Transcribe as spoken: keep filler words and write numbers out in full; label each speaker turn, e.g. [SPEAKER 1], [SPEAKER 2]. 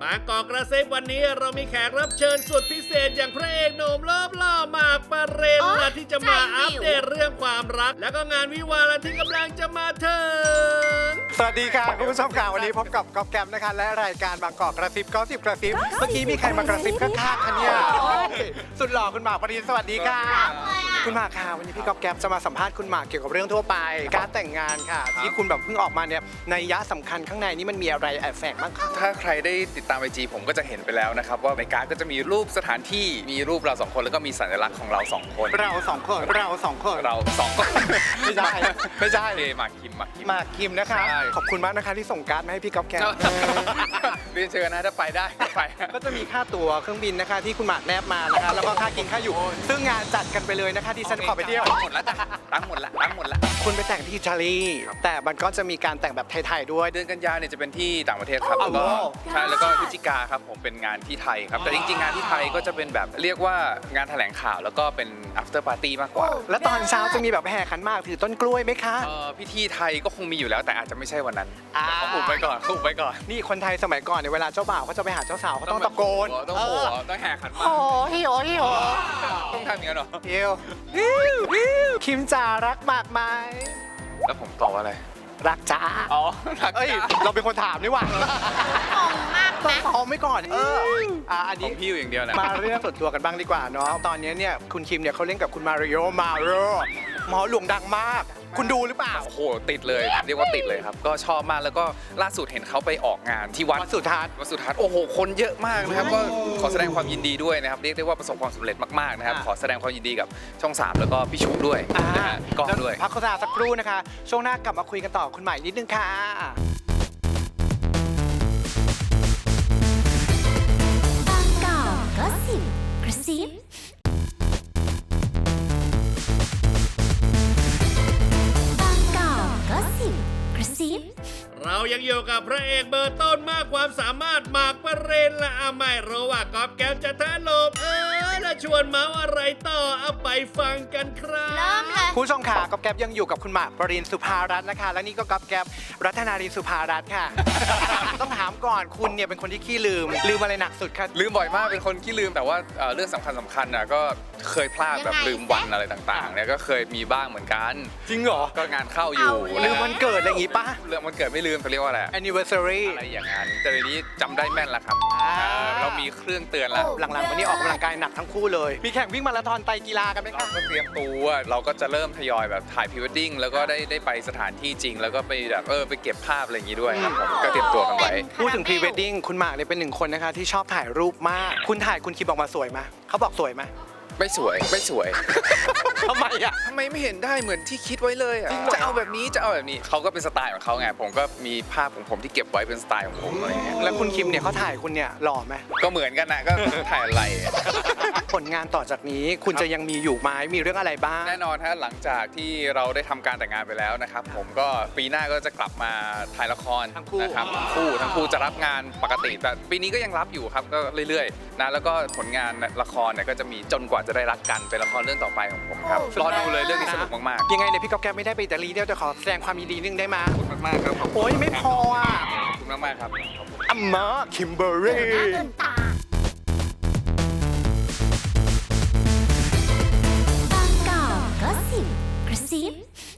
[SPEAKER 1] บางกอกกระซิบวันนี้เรามีแขกรับเชิญสุดพิเศษอย่างพระเอกหนุ่มเลิฟหล่อหมากปรินและที่จะมาอัปเดตเรื่องความรัก แล้วก็งานวิวาห์ที่กำลังจะมาถึง
[SPEAKER 2] สวัสดีค่ะคุณผู้ชมค่ะวันนี้พบกับก๊อฟแกมนะคะและรายการบางกอกกระซิบก๊อฟสิบกระซิบเมื่อกี้มีใครมากระซิบข้างๆคะเนี่ยสุดหล่อคุณหมากปรินสวัสดีค่ะคุณหมากค่ะวันนี้พี่ก๊อฟแกมจะมาสัมภาษณ์คุณหมากเกี่ยวกับเรื่องทั่วไปการแต่งงานค่ะที่คุณแบบเพิ่งออกมาเนี่ยในยะสำคัญข้างในนี่มันมีอะไรแอบแฝงบ้างคะ
[SPEAKER 3] ถ้าใครได้ติดตามไอจีผมก็จะเห็นไปแล้วนะครับว่าในการ์ดก็จะมีรูปสถานที่มีรูปเราสองคนแล้วก็มีสัญลักษณ์ของเราสองคน
[SPEAKER 2] เราสองคนเราสองคน
[SPEAKER 3] เราสองคน
[SPEAKER 2] ไม่ใช่ไม่ใช่
[SPEAKER 3] เอหมากคิมหมากคิม
[SPEAKER 2] หมากคิมนะคะ
[SPEAKER 3] ใช่
[SPEAKER 2] ขอบคุณมากนะคะที่ส่งการ์ดมาให้พี่ก๊อฟแกม
[SPEAKER 3] เรียนเชิญนะถ้าไปได้ก็ไป
[SPEAKER 2] ก็จะมีค่าตั๋วเครื่องบินนะคะที่คุณหมากแนบมานะคะแล้วก็ค่ากินค่าอยู่ ซึ่งงานจัดกันไปเลยนะคะที่ฉันขอไปเที่ยว
[SPEAKER 3] หมดแล้วจ้ะตั้งหมดละตั้งหมดละ
[SPEAKER 2] คุณไปแต่งที่อิตาลีแต่มันก็จะมีการแต่งแบบไทยๆด้วย
[SPEAKER 3] เดือนกันยาเนี่ยจะเป็นที่ต่างประเทศครับ
[SPEAKER 2] อ๋อ
[SPEAKER 3] แล้วก็ใช่แล้วก็พฤศจิกาครับผมเป็นงานที่ไทยครับแต่จริงๆงานที่ไทยก็จะเป็นแบบเรียกว่างานแถลงข่าวแล้วก็เป็น after party มากกว่า
[SPEAKER 2] แล้วตอนเช้าจะมีแบบแห่ขันหมากถือต้นกล้วยไหมคะ
[SPEAKER 3] เอ่อพิธีไทยก็คงมีอยู่แล้วแต่อาจจะไม่ใช่วันนั้น
[SPEAKER 2] อ่า
[SPEAKER 3] เขาอุบไว้ก่อนเขาอุบไว้ก่อน
[SPEAKER 2] นี่คนไทยสมัยก่อนเนี่ยเวลาเจ้าบ่าวเขาจะไปหาเจ้าสาวเขาต้องตะโกน
[SPEAKER 3] ต้องโหต้องแห่ขันหมาก
[SPEAKER 2] โอ้ฮิโอฮิโอ
[SPEAKER 3] ต้องทำอย่างนั้นเหรอ
[SPEAKER 2] ฮิวฮิวฮิวคิมจ๋ารักหมากไหม
[SPEAKER 3] แล้วผมตอบว่าอะไร
[SPEAKER 2] รักจ้า
[SPEAKER 3] อ๋อรัก
[SPEAKER 2] เอ้ย
[SPEAKER 3] จ้า
[SPEAKER 2] เราเป็นคนถามนี่หว่า
[SPEAKER 4] งงมาก
[SPEAKER 2] ต้อ
[SPEAKER 4] นะ
[SPEAKER 2] งตอบไม่ก่อนเอออ่ะอัน
[SPEAKER 3] ผ
[SPEAKER 2] นี้
[SPEAKER 3] มพี่อยู่อย่างเดียวนะ
[SPEAKER 2] มาเรื่องส่วนตัวกันบ้างดีกว่าเนาะตอนนี้เนี่ยคุณคิมเนี่ยเขาเล่นกับคุณมาริโอมาโรหมอหลวงดังมาก คุณดูหรือเปล่า
[SPEAKER 3] โอ้โหติดเลยเรียกว่าติดเลยครับก็ชอบมากแล้วก็ล่าสุดเห็นเขาไปออกงานที่วัด
[SPEAKER 2] วัดสุทัศน์
[SPEAKER 3] วัดสุทัศน์โอ้โหคนเยอะมากนะครับก็ขอแสดงความยินดีด้วยนะครับเรียกได้ว่าประสบความสำเร็จมากๆนะครับขอแสดงความยินดีกับช่องสามแล้วก็พี่ชุด้วยนะฮะกล้องด้วย
[SPEAKER 2] พักโฆษณาสักครู่นะคะ ช่วงหน้ากลับมาคุยกันต่อคุณใหม่นิดนึงค่ะ
[SPEAKER 4] บางกอกก็สิบกระซิบางกอกก็สิบกระซิบ
[SPEAKER 1] เรายังอยู่กับพระเอกเบอร์ต้นมากความสามารถหมากปรินและอาไม่รู้ว่ากอบแก้วจะท้าลมเออและชวนเมาอะไรต่อเอาไปฟังกันครับ
[SPEAKER 4] เริ่มเลย
[SPEAKER 2] ผู้ชมค่ะก๊อฟแก๊บยังอยู่กับคุณหมากปรินสุภารัตน์นะคะ และนี่ก็ก๊อฟแก๊บรัตนารีสุภารัตน์ค่ะ ต้องถามก่อนคุณเนี่ยเป็นคนที่ขี้ลืม ลืมอะไรหนักสุดคะ
[SPEAKER 3] ลืมบ่อยมากเป็นคนขี้ลืมแต่ว่าเอ่อเรื่องสำคัญสำคัญน่ะก็เคยพลาดแบบ
[SPEAKER 4] ยังไง
[SPEAKER 3] ลืมวันอะไรต่างๆเนี่ยก็เคยมีบ้างเหมือนกัน
[SPEAKER 2] จริงเหรอ
[SPEAKER 3] ก็งานเข้าอยู่
[SPEAKER 4] เอา
[SPEAKER 2] ลืมวันเกิดอะไรอย่างงี้ปะ
[SPEAKER 3] เรื่องวันเกิดไม่ลืมเขาเรียกว่าอะไร
[SPEAKER 2] anniversary
[SPEAKER 3] อะไรอย่างนั้นแต่เดี๋ยวนี้จำได้แม่นแล้วครับ
[SPEAKER 2] อ่า
[SPEAKER 3] เออเรามีเครื่องเตือนแล้ว
[SPEAKER 2] หลังๆวันนี้ออกกำลังกายหนักทั้งคู่เลย มีแข่งวิ่งมาราธอนไตรกีฬากันไหม
[SPEAKER 3] เรา
[SPEAKER 2] คะ
[SPEAKER 3] ก็เตรียมตัวเราก็จะเริ่มทยอยแบบถ่ายพรีเวดดิ้งแล้วก็ได้ได้ไปสถานที่จริง แล้วก็ไปแบบเออไปเก็บภาพอะไรอย่างงี้ด้วยครับผมก็เตรียมตัวกันไว้
[SPEAKER 2] พูดถึงพรีเวดดิ้งคุณหมากเนี่ยเป็นหนึ่งคนนะคะที่ชอบถ่ายรูปมาก คุณถ่ายคุณคิมออกมาสวยไหมเขาบอกสวยไหม
[SPEAKER 3] ไม่สวยไม่สวย
[SPEAKER 2] ทำไมอ่ะ
[SPEAKER 3] ทำไมไม่เห็นได้เหมือนที่คิดไว้เลยอ่ะ
[SPEAKER 2] จริงเหรอ
[SPEAKER 3] จะเอาแบบนี้จะเอาแบบนี้เขาก็เป็นสไตล์ของเขาไงผมก็มีภาพของผมที่เก็บไว้เป็นสไตล์ของผมอะไรเงี้ย
[SPEAKER 2] แล้วคุณคิมเนี่ยเขาถ่ายคุณเนี่ยหล่อไหม
[SPEAKER 3] ก็เหมือนกันนะก็ถ่ายอะไรอะ
[SPEAKER 2] ผลงานต่อจากนี้คุณจะยังมีอยู่ไหมมีเรื่องอะไรบ้าง
[SPEAKER 3] แน่นอนฮะหลังจากที่เราได้ทำการแต่งงานไปแล้วนะครับผมก็ปีหน้าก็จะกลับมาถ่ายละคร
[SPEAKER 2] ทั้งคู่
[SPEAKER 3] นะครับทั้งคู่ทั้งคู่จะรับงานปกติแต่ปีนี้ก็ยังรับอยู่ครับก็เรื่อยๆนะแล้วก็ผลงานละครเนี่ยก็จะมีจนกว่าจะได้รักกันเป็นละครเรื่องต่อไปของผมครับรอดูเลยเรื่องนี้สนุกมากๆ
[SPEAKER 2] ยังไงเนี่ยพี่ก๊อฟแกไม่ได้ไปอิตาลีเดียวแต่ขอแสดงความยินดีนึงได้ไหม
[SPEAKER 3] ขอบคุณมากๆครับขอบคุณ
[SPEAKER 2] โอ้ยไม่พออ่ะ
[SPEAKER 3] ขอบคุณมากๆครับขอบคุณ
[SPEAKER 2] อัมมาคิมเบอร์รี่
[SPEAKER 4] หน้าเดินตาบางกอกก็สิบกระซิบ